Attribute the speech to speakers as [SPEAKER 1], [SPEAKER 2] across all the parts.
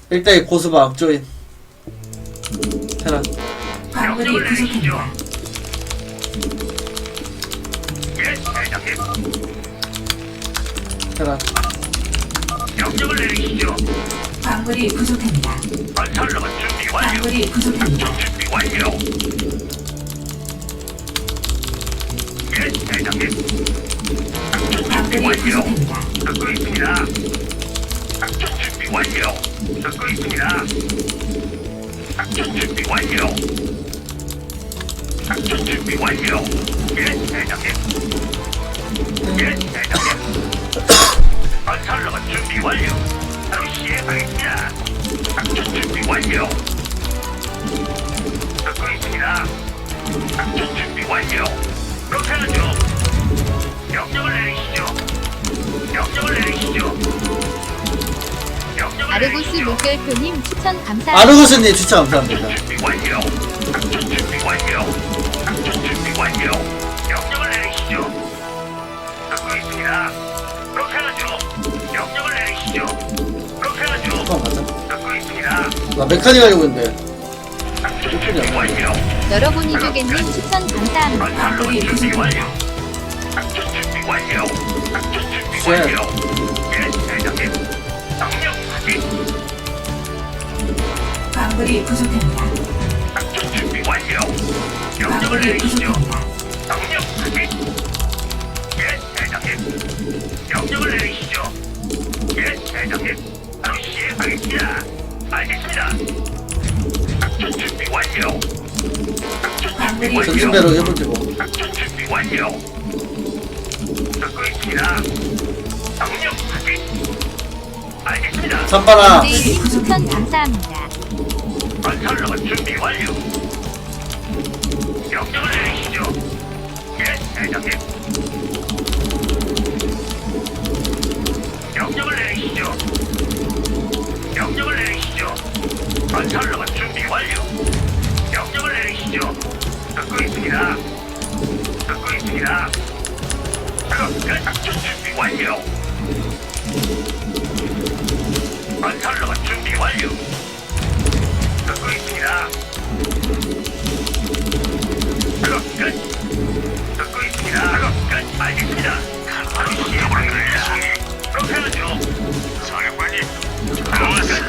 [SPEAKER 1] 1대1 고수바 악조인 테란.
[SPEAKER 2] 광물이 부족합니다.
[SPEAKER 3] 예, 대장님.
[SPEAKER 1] 테란.
[SPEAKER 3] 명령을 내리시죠.
[SPEAKER 2] 광물이 부족합니다.
[SPEAKER 3] 건설로만 준비 완료.
[SPEAKER 2] 광물이 부족합니다.
[SPEAKER 3] 준비 완료. 예, 대장님. 준비
[SPEAKER 2] 광물이
[SPEAKER 3] 완료.
[SPEAKER 2] 부족합니다.
[SPEAKER 3] 듣고 있습니다. 작전 준비 완료. 듣고 있습니다. 작전 준비 완료. 작전 준비 완료. 예, 대장님. 예, 대장님. 건설로만 준비 완료. 바로 시행하겠습니다. 작전 준비 완료. 듣고 있습니다. 작전 준비 완료. 그렇게 하죠. 명령을 내리시죠. 명령을 내리시죠. 명령을
[SPEAKER 4] 아르고스
[SPEAKER 3] 내리시죠.
[SPEAKER 4] 물결표님 추천 감사합니다.
[SPEAKER 1] 아르고스님 추천 감사합니다.
[SPEAKER 3] 준비 완료. 작전 준비 완료. 작전 준비 완료. 명령을 내리시죠. 듣고 있습니다. 그렇게 하죠. 명령을 내리시죠. 그렇게 하죠.
[SPEAKER 1] 한번 가자.
[SPEAKER 3] 듣고 있습니다.
[SPEAKER 1] 나 메카닉 하려고 했는데
[SPEAKER 3] 작전 준비 완료.
[SPEAKER 4] 여러분 이두개님 추천 감사합니다.
[SPEAKER 3] 건설로만 준비 완료. 작전 준비 완료. 작전 준비 완료. 예, 대장님. 명령 확인.
[SPEAKER 2] 광물이 부족합니다.
[SPEAKER 3] 작전 준비 완료. 명령을
[SPEAKER 2] 광물이
[SPEAKER 3] 내리시죠.
[SPEAKER 2] 부족합니다.
[SPEAKER 3] 명령 확인. 예, 대장님. 명령을 내리시죠. 예, 대장님. 바로 시행하겠습니다. 알겠습니다. 작전 준비 완료. 작전 준비 완료.
[SPEAKER 1] 전진배로 해볼지 뭐.
[SPEAKER 3] 작전 준비 완료. 듣고 있습니다. 명령 확인. 알겠습니다.
[SPEAKER 1] 산바라
[SPEAKER 4] 제이님 추천 감사합니다.
[SPEAKER 3] 건설로만 준비 완료. 명령을 내리시죠. 예, 대장님. 명령을 내리시죠. 명령을 내리시죠. 건설로만 준비 완료. 명령을 내리시죠. 듣고 있습니다. 듣고 있습니다. 작업 끝. 작전 준비 완료. 건설로만 준비 완료. 듣고 있습니다. 작업 끝. 듣고 있습니다. 작업 끝. 알겠습니다. 바로 시행하겠습니다. 그렇게 하죠. 사령관님. 작업 끝.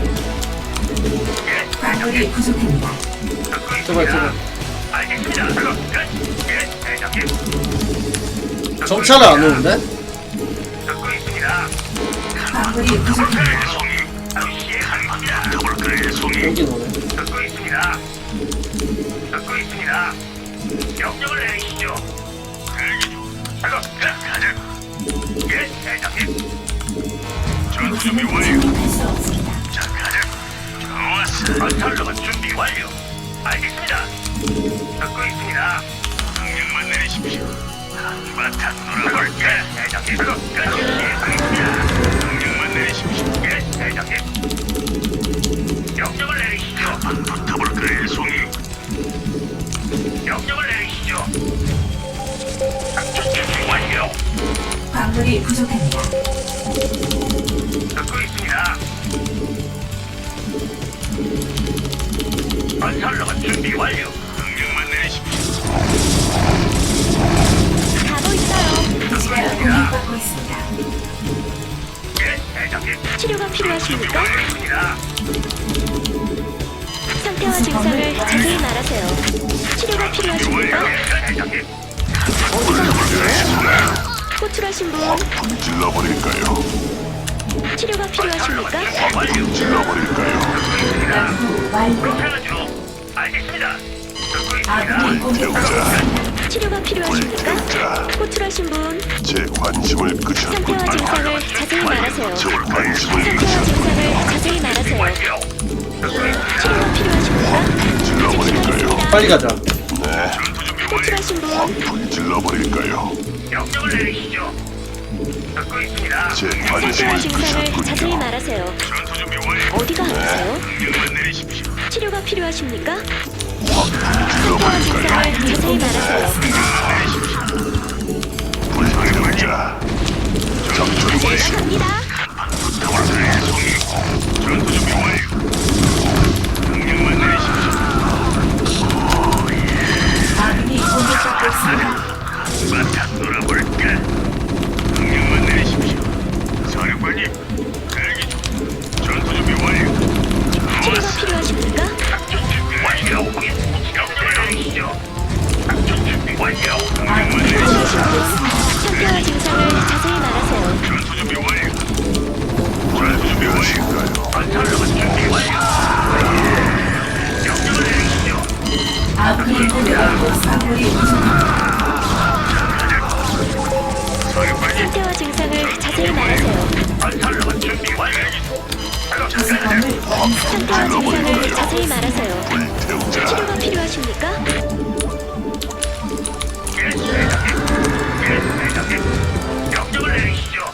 [SPEAKER 3] 예,
[SPEAKER 2] 광물이
[SPEAKER 3] 대장님.
[SPEAKER 2] 부족합니다.
[SPEAKER 3] 듣고
[SPEAKER 1] 제발,
[SPEAKER 3] 있습니다. 알겠습니다. 작업 끝. 예, 대장님. 듣고
[SPEAKER 1] 정찰을 안
[SPEAKER 3] 있습니다.
[SPEAKER 1] 오는데?
[SPEAKER 3] 듣고 있습니다.
[SPEAKER 2] 광물이 부족합니다.
[SPEAKER 3] 송이. 바로 시행하겠습니다. 더블클의 송이.
[SPEAKER 1] 여긴 오네.
[SPEAKER 3] 듣고 있습니다. 듣고 있습니다. 명령을 내리시죠. 대기 중. 작업 끝. 가자. 예, 대장님. 전투 준비
[SPEAKER 2] 이곳에는
[SPEAKER 3] 완료.
[SPEAKER 2] 진입할 수 없습니다.
[SPEAKER 3] 자, 가자. 좋았어. 건설로만 준비 완료. 알겠습니다. 듣고 있습니다. 명령만 내리십시오. 한바탕 놀아볼게. 대장님. 작업 끝. 시행하겠습니다. 명령만 내리십시오. 예, 대장님. 명령을 내리시죠. 한번 붙어볼까요, 송이? 명령을 내리시죠. 작전 준비 완료.
[SPEAKER 2] 광물이 부족합니다.
[SPEAKER 3] 듣고 있습니다. 건설로만 준비 완료. 명령만 내리십시오.
[SPEAKER 4] 가고 있어요.
[SPEAKER 2] 기지가 공격받고 있습니다.
[SPEAKER 3] 예, 대장님.
[SPEAKER 5] 치료가 필요하십니까?
[SPEAKER 3] 완료입니다.
[SPEAKER 5] 상태와 증상을 자세히 말하세요. 치료가 필요하십니까?
[SPEAKER 3] 예, 대장님.
[SPEAKER 5] 어디가 아프세요? 호출하신 분
[SPEAKER 6] 질러버릴까요?
[SPEAKER 5] 치료가 필요하십니까?
[SPEAKER 3] 완료.
[SPEAKER 6] 질러버릴까요?
[SPEAKER 2] 연구 완료.
[SPEAKER 3] 그렇게 하죠. 알겠습니다. 듣고
[SPEAKER 2] 아군이
[SPEAKER 3] 있습니다.
[SPEAKER 2] 공격받고
[SPEAKER 5] 치료가 필요하십니까?
[SPEAKER 6] 자,
[SPEAKER 5] 호출하신 분
[SPEAKER 6] 제 관심을 끄셨군.
[SPEAKER 5] 상태와 증상을 자세히 말하세요.
[SPEAKER 6] 제 관심을
[SPEAKER 5] 상태와
[SPEAKER 6] 끄셨군.
[SPEAKER 5] 증상을 자세히 말하세요.
[SPEAKER 3] 완료. 듣고 있습니다.
[SPEAKER 5] 치료가 필요하십니까?
[SPEAKER 6] 질러버릴까요?
[SPEAKER 1] 빨리 가자.
[SPEAKER 6] 네,
[SPEAKER 5] 호출하신 분
[SPEAKER 6] 확 질러버릴까요?
[SPEAKER 3] 명령을 내리시죠. 듣고 있습니다.
[SPEAKER 6] 제
[SPEAKER 5] 상태와
[SPEAKER 6] 관심을
[SPEAKER 5] 증상을 자세히
[SPEAKER 6] 끄셨군요.
[SPEAKER 5] 말하세요.
[SPEAKER 3] 전투 준비 완료.
[SPEAKER 5] 어디가 아프세요?
[SPEAKER 3] 명령만 내리십시오.
[SPEAKER 5] 치료가 필요하십니까?
[SPEAKER 6] 확
[SPEAKER 5] 상태와
[SPEAKER 6] 질러버릴까요?
[SPEAKER 5] 증상을 자세히 말하세요.
[SPEAKER 6] 불멸자. 작전
[SPEAKER 5] 제가
[SPEAKER 6] 개시.
[SPEAKER 5] 갑니다.
[SPEAKER 3] 전투 준비 완료. 건설로봇 준비 완료. 작업 끝.
[SPEAKER 2] 부속범을 완성.
[SPEAKER 5] 상태와 증상을 자세히 말하세요.
[SPEAKER 6] 불태우자.
[SPEAKER 5] 치료가 필요하십니까?
[SPEAKER 3] 예, 대장님. 예, 대장님. 명령을 내리시죠.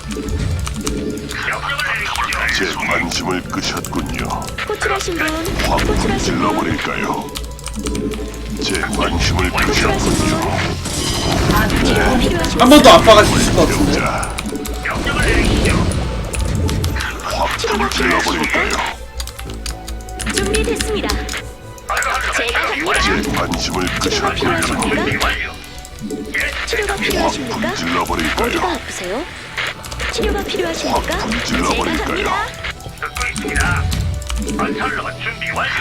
[SPEAKER 3] 명령을
[SPEAKER 6] 제
[SPEAKER 3] 내리시죠.
[SPEAKER 6] 관심을 끄셨군요.
[SPEAKER 5] 호출하신 분,
[SPEAKER 6] 확
[SPEAKER 5] 호출하신 분,
[SPEAKER 6] 불질러버릴까요? 제 관심을 끄셨군요.
[SPEAKER 5] 치료가 필요하십니까?
[SPEAKER 1] 한 번 더 압박할 수 있을 것 같은데.
[SPEAKER 6] 태우자.
[SPEAKER 3] 명령을 내리시죠.
[SPEAKER 6] 확 불질러버릴까요?
[SPEAKER 5] 준비됐습니다. 제가 갑니다.
[SPEAKER 6] 제 관심을
[SPEAKER 5] 치료가
[SPEAKER 6] 끄셨군요.
[SPEAKER 5] 필요하십니까?
[SPEAKER 3] 준비 완료. 예,
[SPEAKER 5] 치료가
[SPEAKER 6] 확
[SPEAKER 5] 필요하십니까? 어디가
[SPEAKER 6] 불질러버릴까요?
[SPEAKER 5] 아프세요? 치료가 필요하십니까?
[SPEAKER 6] 확
[SPEAKER 5] 제가
[SPEAKER 6] 불질러버릴까요?
[SPEAKER 5] 갑니다.
[SPEAKER 3] 듣고 있습니다. 건설로봇 준비 완료.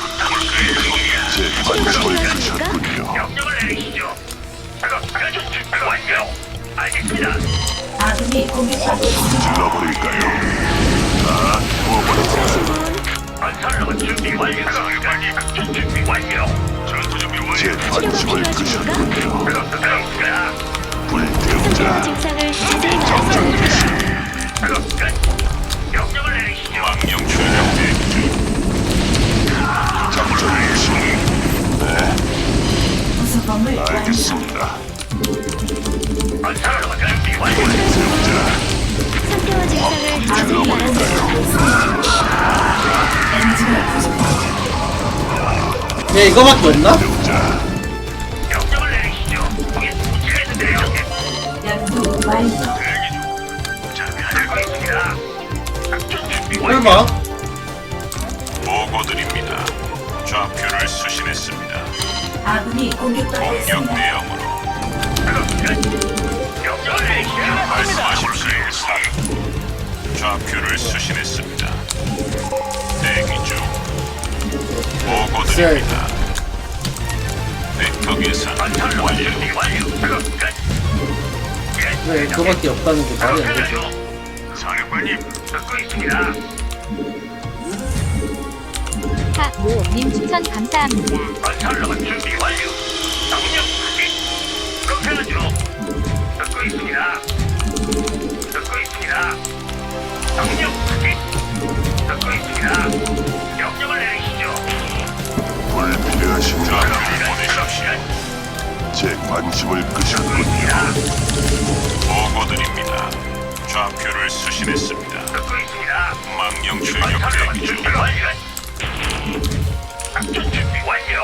[SPEAKER 6] 제 관심을 끄셨군요.
[SPEAKER 3] 명령을 내리시죠. 작업 끝. 준비 완료. 알겠습니다.
[SPEAKER 2] 아군이 공격받고 있습니다.
[SPEAKER 6] 불질러버릴까요? 다
[SPEAKER 5] 호출하신
[SPEAKER 6] 태워버릴까요?
[SPEAKER 5] 분,
[SPEAKER 3] 건설로봇 준비 완료. 작전 준비 완료. 전투 준비 완료.
[SPEAKER 6] 제 관심을 끄셨군요.
[SPEAKER 3] 작업 끝났습니다.
[SPEAKER 5] 상태와
[SPEAKER 6] 불태우자.
[SPEAKER 5] 증상을 자세히 말하세요.
[SPEAKER 3] 작업 끝. 명령을 내리시죠.
[SPEAKER 6] 망령 출력 대기 중. 작전 중. 네,
[SPEAKER 2] 부속범을 완성.
[SPEAKER 6] 알겠습니다.
[SPEAKER 3] 건설로봇 준비 완료.
[SPEAKER 6] 불태우자.
[SPEAKER 5] 상태와 증상을 자세히
[SPEAKER 6] 불질러버릴까요?
[SPEAKER 5] 말하세요.
[SPEAKER 2] 엔진이 부족합니다.
[SPEAKER 1] 얘 이거밖에 없나?
[SPEAKER 6] 태우자.
[SPEAKER 3] 명령을 내리시죠. 거기 붙이겠는데요.
[SPEAKER 2] 연구 완료.
[SPEAKER 3] 자, 알고 있습니다. 작전 준비 완료.
[SPEAKER 1] 설마?
[SPEAKER 6] 보고드립니다. 좌표를 수신했습니다.
[SPEAKER 2] 아군이 공격받고 있습니다.
[SPEAKER 6] 대형으로
[SPEAKER 3] 작업 끝. 명령을 내리시죠.
[SPEAKER 6] 말씀하십시오. 사령. 좌표를 수신했습니다. 대기 중. 보고드립니다. 벡터 계산
[SPEAKER 3] 건설로봇
[SPEAKER 6] 완료.
[SPEAKER 3] 준비 완료. 작업 끝. 예,
[SPEAKER 1] 왜 그거밖에 없다는 게 말이 안 되죠.
[SPEAKER 3] 사령관님, 듣고 있습니다.
[SPEAKER 4] 하모님 추천 감사합니다.
[SPEAKER 3] 건설로봇 준비 완료. 명령 확인. 그렇게 하죠. 듣고 있습니다. 듣고 있습니다. 명령 확인. 듣고 있습니다. 명령을 내리시죠.
[SPEAKER 6] 불필요하신가?
[SPEAKER 3] 보내십시오.
[SPEAKER 6] 제 관심을 끄셨군요. 보고드립니다. 좌표를 수신했습니다.
[SPEAKER 3] 듣고 있습니다.
[SPEAKER 6] 망령 출격
[SPEAKER 3] 건설로봇
[SPEAKER 6] 대기 중.
[SPEAKER 3] 준비 완료. 작전 준비 완료.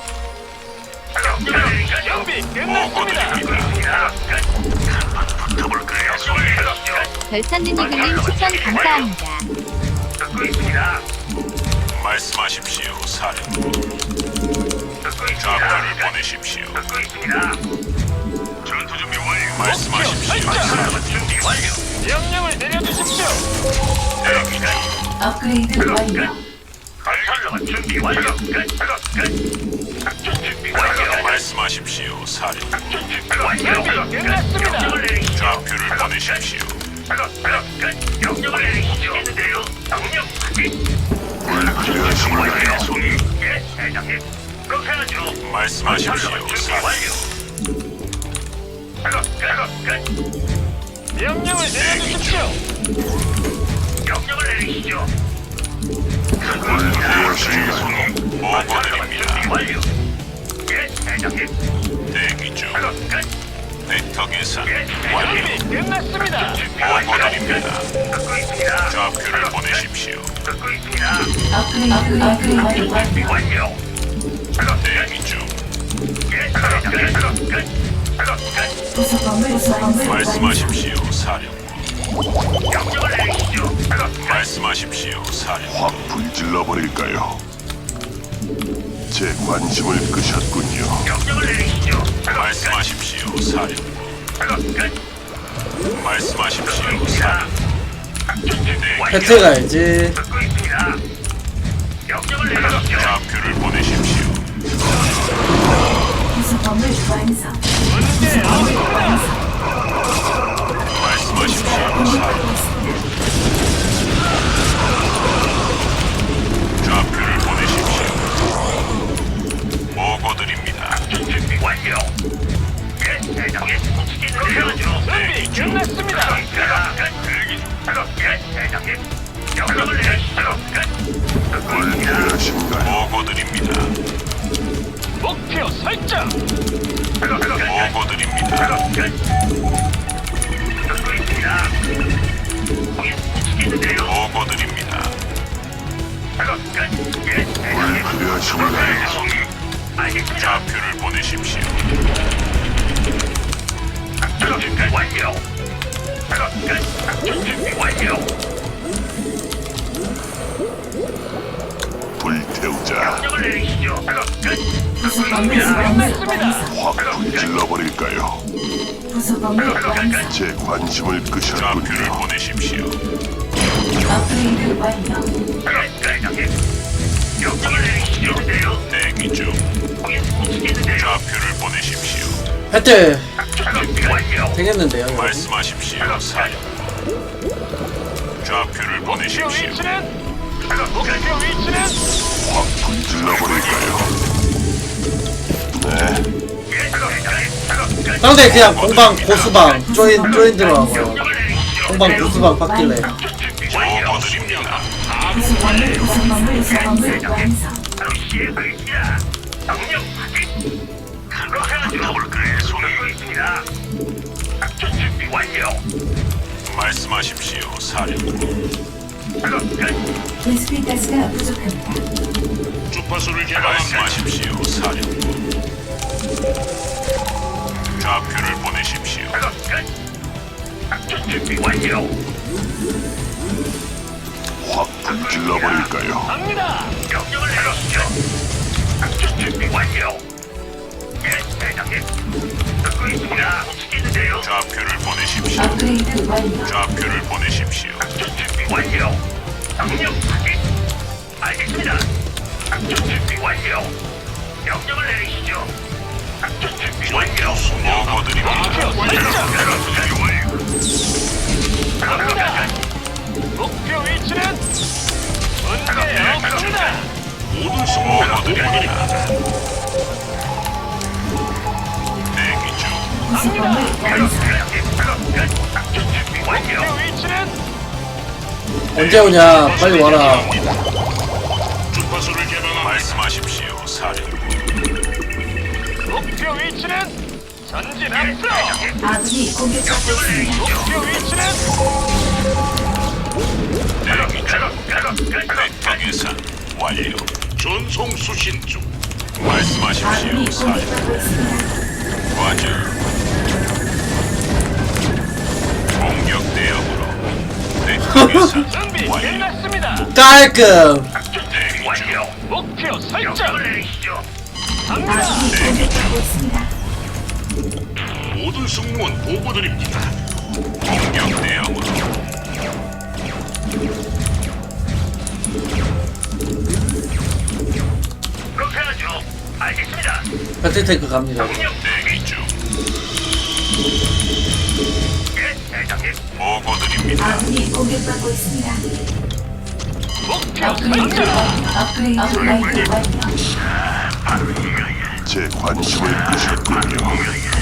[SPEAKER 3] 명령을 내리시죠.
[SPEAKER 6] 보고드립니다.
[SPEAKER 3] 붙어볼까요? 명령을 내리시죠.
[SPEAKER 4] 별산드니그님 추천 감사합니다.
[SPEAKER 3] 듣고 있습니다.
[SPEAKER 6] 말씀하십시오. 사령.
[SPEAKER 3] 듣고 있습니다.
[SPEAKER 6] 좌표를 보내십시오.
[SPEAKER 3] 듣고 있습니다. 전투 준비 완료.
[SPEAKER 6] 말씀하십시오.
[SPEAKER 3] 건설로봇 준비 완료.
[SPEAKER 7] 명령을 내려주십시오.
[SPEAKER 6] 대기 중.
[SPEAKER 2] 업그레이드 완료.
[SPEAKER 3] 건설로봇 준비 완료. 끝. 작업 끝. 작전 준비 완료.
[SPEAKER 6] 말씀하십시오. 사령.
[SPEAKER 3] 작전 준비 완료.
[SPEAKER 7] 준비 끝났습니다.
[SPEAKER 3] 명령을 내리시죠.
[SPEAKER 6] 좌표를 보내십시오.
[SPEAKER 3] 작업 끝. 명령을 내리시죠. 있는데요. 명령 확인.
[SPEAKER 6] 불필요하신가요?
[SPEAKER 3] 송이. 예, 대장님. 그렇게 하죠.
[SPEAKER 6] 말씀하십시오.
[SPEAKER 3] 건설로봇 준비
[SPEAKER 6] 사령.
[SPEAKER 3] 완료. 작업 끝.
[SPEAKER 7] 명령을 내려주십시오.
[SPEAKER 3] 명령을 내리시죠.
[SPEAKER 6] 불필요하신가요? 보고드립니다.
[SPEAKER 3] 완료. 예, 대장님.
[SPEAKER 6] 대기 중.
[SPEAKER 3] 작업 끝.
[SPEAKER 6] 벡터 계산
[SPEAKER 3] 예,
[SPEAKER 6] 완료.
[SPEAKER 7] 준비 끝났습니다.
[SPEAKER 6] 보고드립니다.
[SPEAKER 3] 듣고 있습니다.
[SPEAKER 6] 좌표를 보내십시오.
[SPEAKER 3] 듣고 있습니다.
[SPEAKER 2] 업그레이드 완료.
[SPEAKER 3] 준비 완료. 작업
[SPEAKER 6] 대기 중.
[SPEAKER 3] 예, 작업 끝. 작업 끝.
[SPEAKER 2] 부속범을 완성.
[SPEAKER 6] 말씀하십시오. 사령.
[SPEAKER 3] 명령을 내리시죠. 작업 끝.
[SPEAKER 6] 말씀하십시오. 사령. 확 불질러 버릴까요? 제 관심을 끄셨군요.
[SPEAKER 3] 명령을 내리시죠. 작업
[SPEAKER 6] 말씀하십시오. 사령.
[SPEAKER 3] 작업 끝.
[SPEAKER 6] 말씀하십시오.
[SPEAKER 3] 자,
[SPEAKER 6] 사령.
[SPEAKER 3] 작전 준비 완료.
[SPEAKER 1] 배트 가야지.
[SPEAKER 3] 듣고 있습니다. 명령을 내리시죠.
[SPEAKER 6] 좌표를 보내십시오.
[SPEAKER 2] 부속범을 완성.
[SPEAKER 7] 문제 없습니다.
[SPEAKER 6] 말씀하십시오. 사령. 좌표를 보내십시오. 보고드립니다.
[SPEAKER 3] 작전 준비 완료. 예, 대장님. 그렇게 하죠.
[SPEAKER 7] 준비 끝났습니다.
[SPEAKER 3] 작업 끝. 대기 중. 작업 완료.
[SPEAKER 6] 불태우자.
[SPEAKER 3] 명령을 내리시죠. 작업 끝.
[SPEAKER 2] 부속범을 완성.
[SPEAKER 6] 확 불질러버릴까요?
[SPEAKER 2] 부속범을 완성.
[SPEAKER 6] 제 관심을
[SPEAKER 8] 좌표를
[SPEAKER 6] 끄셨군요.
[SPEAKER 8] 보내십시오.
[SPEAKER 2] 업그레이드 완료.
[SPEAKER 3] 대장님. 명령을 내리시죠.
[SPEAKER 8] 대기 중.
[SPEAKER 3] 거기 붙이겠는데요.
[SPEAKER 8] 좌표를 보내십시오.
[SPEAKER 1] 하여튼
[SPEAKER 3] 작업 완료.
[SPEAKER 1] 되겠는데요 여러분.
[SPEAKER 8] 말씀하십시오. 사령부. 좌표를
[SPEAKER 7] 목표
[SPEAKER 8] 보내십시오.
[SPEAKER 7] 위치는
[SPEAKER 3] 작업 끝.
[SPEAKER 7] 목표 위치는
[SPEAKER 6] 확 불질러버릴까요? 네.
[SPEAKER 3] 예, 작업 끝.
[SPEAKER 1] 상대 그냥 공방 고수방 조인 들어가고요.
[SPEAKER 3] 명령을 내리시죠.
[SPEAKER 1] 공방 고수방 바뀔래.
[SPEAKER 3] 완료.
[SPEAKER 8] 보고드립니다.
[SPEAKER 2] 부속범을 완성.
[SPEAKER 3] 바로 시행하겠습니다. 명령 확인. 그렇게 하죠. 그래, 손을 있습니다. 작전 준비 완료.
[SPEAKER 8] 말씀하십시오. 사령부.
[SPEAKER 3] 작업 끝.
[SPEAKER 2] 베스핀 가스가 부족합니다.
[SPEAKER 8] 주파수를 말씀하십시오. 사령부. 좌표를 보내십시오.
[SPEAKER 3] 작업 끝. 작전 준비 완료.
[SPEAKER 6] 확 불질러버릴까요?
[SPEAKER 7] 갑니다.
[SPEAKER 3] 명령을 내리시죠. 작전 준비 완료. 예, 대장님. 듣고 있습니다. 붙이겠는데요.
[SPEAKER 8] 좌표를 보내십시오.
[SPEAKER 2] 업그레이드 완료.
[SPEAKER 8] 좌표를 보내십시오.
[SPEAKER 3] 작전 준비 완료. 명령 확인. 알겠습니다. 작전 준비 완료. 명령을 내리시죠. 작전 준비 완료.
[SPEAKER 8] 보고드립니다.
[SPEAKER 7] 갑니다. 목표 위치는 문제 없습니다.
[SPEAKER 8] 보고드립니다. 대기 중.
[SPEAKER 2] 부속범을 완성.
[SPEAKER 3] 작전 준비 완료.
[SPEAKER 7] 목표 위치는
[SPEAKER 1] 언제 오냐 빨리 와라.
[SPEAKER 8] 주파수를 개방합니다. 말씀하십시오. 사령부.
[SPEAKER 7] 목표 위치는 전진 앞으로.
[SPEAKER 2] 아군이 공격받고 있습니다.
[SPEAKER 7] 목표 위치는
[SPEAKER 8] 대기 중. 백타 계산 완료. 전송 수신 중.
[SPEAKER 2] 아군이
[SPEAKER 8] 말씀하십시오. 사령부.
[SPEAKER 2] 공격받고 있습니다.
[SPEAKER 8] 과절. 공격 대응으로. 백타 계산
[SPEAKER 7] 준비
[SPEAKER 8] 완료.
[SPEAKER 7] 끝났습니다.
[SPEAKER 1] 깔끔.
[SPEAKER 8] 대기 중.
[SPEAKER 3] 완료.
[SPEAKER 7] 목표 설정.
[SPEAKER 3] 명령을 내리시죠.
[SPEAKER 7] 갑니다.
[SPEAKER 2] 아군이 공격받고 있습니다.
[SPEAKER 8] 모든 승무원 보고드립니다. 공격 대응으로.
[SPEAKER 3] 그렇게 하죠. 알겠습니다.
[SPEAKER 1] 배틀탱크 갑니다.
[SPEAKER 3] 명령
[SPEAKER 8] 대기 중.
[SPEAKER 3] 예, 대장님.
[SPEAKER 8] 보고드립니다.
[SPEAKER 2] 아군이 공격받고 있습니다.
[SPEAKER 7] 목표
[SPEAKER 2] 업그레이드
[SPEAKER 7] 설정.
[SPEAKER 2] 완료. 업그레이드 완료.
[SPEAKER 6] 제 관심을 끄셨군요.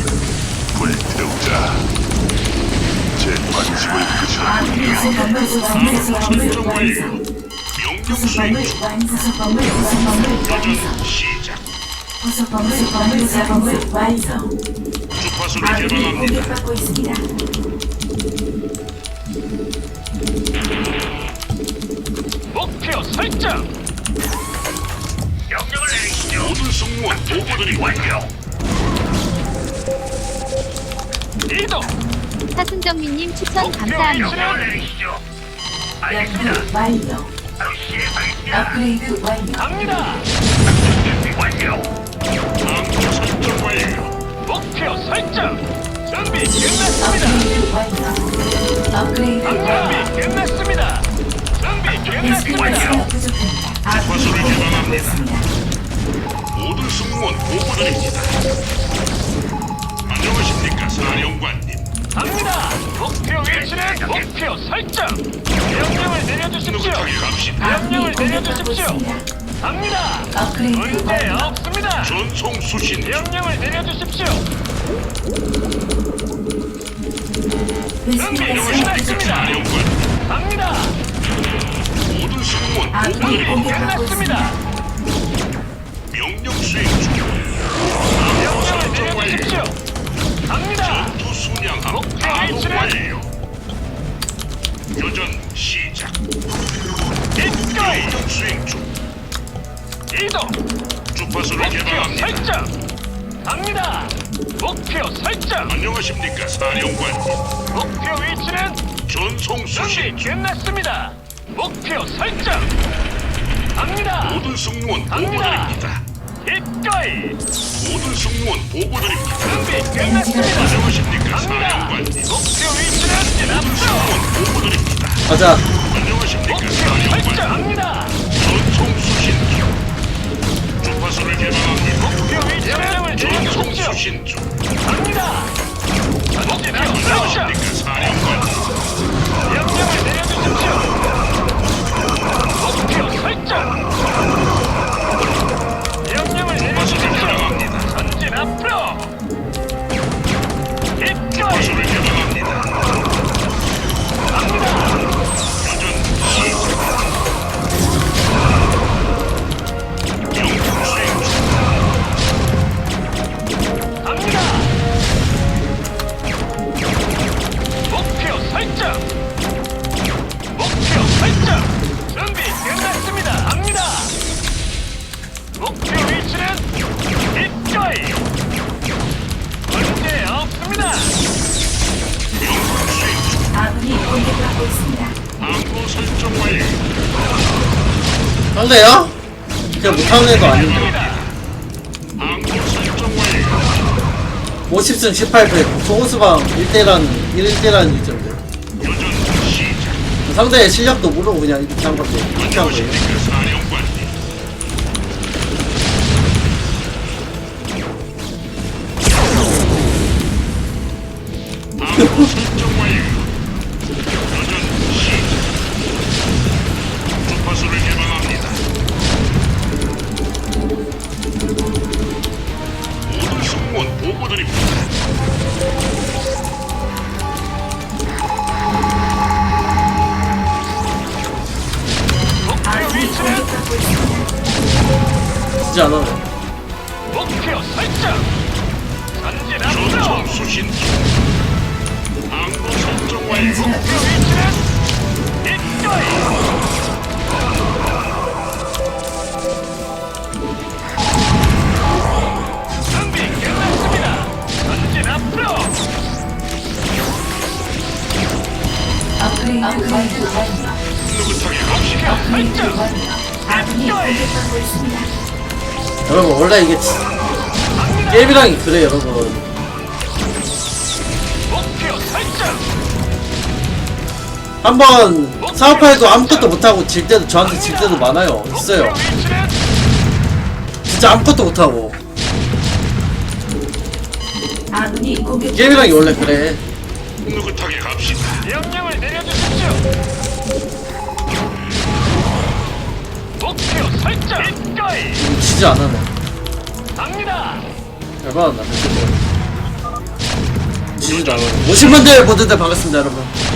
[SPEAKER 6] 불태우자. 제 관심을 끄셨군요.
[SPEAKER 2] 부속범을 완성.
[SPEAKER 8] 명령
[SPEAKER 2] 부속범을
[SPEAKER 8] 수행
[SPEAKER 2] 완성. 부속범을 완성.
[SPEAKER 8] 시작.
[SPEAKER 2] 부속범을 완성.
[SPEAKER 8] 주파수를
[SPEAKER 2] 아군이
[SPEAKER 8] 개방합니다.
[SPEAKER 2] 공격받고 있습니다.
[SPEAKER 7] 목표 설정.
[SPEAKER 3] 명령을 내리시죠.
[SPEAKER 8] 모든 승무원 보고드립니다.
[SPEAKER 3] 완료.
[SPEAKER 7] 이동.
[SPEAKER 4] 사순정민님 추천
[SPEAKER 7] 목표
[SPEAKER 4] 감사합니다.
[SPEAKER 3] 명령을 내리시죠. 알겠습니다.
[SPEAKER 2] 연구 완료.
[SPEAKER 3] 바로 시행하겠습니다.
[SPEAKER 2] 업그레이드 완료.
[SPEAKER 7] 갑니다.
[SPEAKER 3] 준비 완료.
[SPEAKER 8] 방금 설정 완료.
[SPEAKER 7] 목표 설정. 준비 끝났습니다.
[SPEAKER 2] 업그레이드 완료. 업그레이드 완료.
[SPEAKER 7] 준비 끝났습니다. 준비
[SPEAKER 2] 베스핀
[SPEAKER 7] 끝났습니다.
[SPEAKER 2] 가스가 부족합니다. 아군이
[SPEAKER 8] 주파수를
[SPEAKER 2] 공격받고
[SPEAKER 8] 개방합니다.
[SPEAKER 2] 있습니다.
[SPEAKER 8] 모든 승무원 보고드립니다. 안녕하십니까, 사령관님.
[SPEAKER 7] 갑니다. 목표 위치는 목표 설정. 명령을 내려주십시오.
[SPEAKER 8] 느긋하게 갑시다.
[SPEAKER 7] 명령을
[SPEAKER 2] 아군이 공격받고
[SPEAKER 7] 내려주십시오.
[SPEAKER 2] 있습니다.
[SPEAKER 7] 갑니다.
[SPEAKER 2] 업그레이드
[SPEAKER 7] 문제
[SPEAKER 2] 완료.
[SPEAKER 7] 없습니다.
[SPEAKER 8] 전송 수신 중.
[SPEAKER 7] 명령을 내려주십시오.
[SPEAKER 2] 베스핀
[SPEAKER 7] 준비
[SPEAKER 2] 가스가 부족합니다.
[SPEAKER 7] 끝났습니다.
[SPEAKER 8] 사령관.
[SPEAKER 7] 갑니다.
[SPEAKER 8] 모든 승무원
[SPEAKER 2] 아군이
[SPEAKER 8] 보고드립니다.
[SPEAKER 2] 공격받고
[SPEAKER 7] 끝났습니다.
[SPEAKER 2] 있습니다.
[SPEAKER 8] 명령 수행 중.
[SPEAKER 7] 명령을 내려주십시오. 갑니다.
[SPEAKER 8] 전투 순양함
[SPEAKER 7] 목표
[SPEAKER 8] 가동
[SPEAKER 7] 위치는?
[SPEAKER 8] 완료. 교전 시작.
[SPEAKER 7] 기꺼이
[SPEAKER 8] 명령 수행 중.
[SPEAKER 7] 이동.
[SPEAKER 8] 주파수를
[SPEAKER 7] 목표
[SPEAKER 8] 개방합니다.
[SPEAKER 7] 설정. 갑니다. 목표 설정.
[SPEAKER 8] 안녕하십니까, 사령관님.
[SPEAKER 7] 목표 위치는
[SPEAKER 8] 전송 수신 수신
[SPEAKER 7] 준비 끝났습니다. 목표 설정. 갑니다.
[SPEAKER 8] 모든 승무원
[SPEAKER 7] 갑니다.
[SPEAKER 8] 보고드립니다.
[SPEAKER 7] 기꺼이.
[SPEAKER 8] 모든 승무원 보고드립니다.
[SPEAKER 7] 준비 끝났습니다.
[SPEAKER 8] 안녕하십니까
[SPEAKER 7] 갑니다.
[SPEAKER 8] 사령관님.
[SPEAKER 7] 목표 위치는 앞으로.
[SPEAKER 8] 승무원 보고드립니다.
[SPEAKER 1] 가자.
[SPEAKER 8] 안녕하십니까
[SPEAKER 7] 목표
[SPEAKER 8] 사령관님.
[SPEAKER 7] 설정합니다.
[SPEAKER 8] 전송 수신 중. 주파수를 개방합니다.
[SPEAKER 7] 목표 위치는
[SPEAKER 8] 전송
[SPEAKER 7] 내려주십시오.
[SPEAKER 8] 수신 중.
[SPEAKER 7] 갑니다. 전진 앞으로.
[SPEAKER 8] 안녕하십니까 사령관님.
[SPEAKER 7] 명령을 내려주십시오. 목표 설정. 명령을
[SPEAKER 8] 주파수를
[SPEAKER 7] 내려주십시오.
[SPEAKER 8] 개방합니다.
[SPEAKER 7] 전진 앞으로. 기꺼이.
[SPEAKER 8] 주파수를 개방합니다.
[SPEAKER 7] 갑니다.
[SPEAKER 8] 교전 시작. 영통 수행 중.
[SPEAKER 7] 갑니다. 목표 설정. 목표 설정. 준비 끝났습니다. 갑니다. 목표 위치는 기꺼이. 문제 없습니다.
[SPEAKER 8] 영통 수행 중.
[SPEAKER 2] 아군이 공격받고 있습니다.
[SPEAKER 8] 항로 설정 완료.
[SPEAKER 1] 상대야? 그냥 못하는 애도 아닌데.
[SPEAKER 7] 갑니다.
[SPEAKER 8] 항로 설정 완료.
[SPEAKER 1] 50승 18패. 소호수방 1대란 이점인데.
[SPEAKER 8] 교전 시작.
[SPEAKER 1] 상대의 실력도 모르고 그냥 이렇게 한 건데. 이렇게 한 거예요.
[SPEAKER 8] 안녕하십니까 사령관님. 항로 설정 완료. 교전 시작. 주파수를 개방합니다. 모든 승무원 보고드립니다.
[SPEAKER 7] 목표
[SPEAKER 2] 아군이
[SPEAKER 7] 위치는
[SPEAKER 2] 공격받고 있습니다.
[SPEAKER 1] 진짜 안 하네.
[SPEAKER 7] 목표 설정. 전진 앞으로.
[SPEAKER 8] 전송 수신 중. 항로 설정 완료.
[SPEAKER 2] 엔지가
[SPEAKER 7] 목표 위치는 기꺼이. 준비 끝났습니다. 전진 앞으로.
[SPEAKER 2] 업그레이드 완료.
[SPEAKER 8] 느긋하게 갑시다.
[SPEAKER 7] 목표 설정.
[SPEAKER 2] 아군이 공격받고 있습니다.
[SPEAKER 1] 여러분 원래 이게 게임이랑이 그래 여러분.
[SPEAKER 7] 목표 설정.
[SPEAKER 1] 한번 사업할도 아무것도 못하고 질 때도 저한테 질 때도 많아요. 있어요.
[SPEAKER 7] 목표 위치는
[SPEAKER 1] 진짜 아무것도 못하고.
[SPEAKER 2] 아군이 공격.
[SPEAKER 1] 게임이랑이 원래 그래.
[SPEAKER 8] 느긋하게 갑시다.
[SPEAKER 7] 명령을 내려주십시오. 목표 설정. 기꺼이.
[SPEAKER 1] 진짜 안 하네.
[SPEAKER 7] 갑니다.
[SPEAKER 1] 열받았나. 지지도 안 하네. 50만대 보는데 반갑습니다 여러분.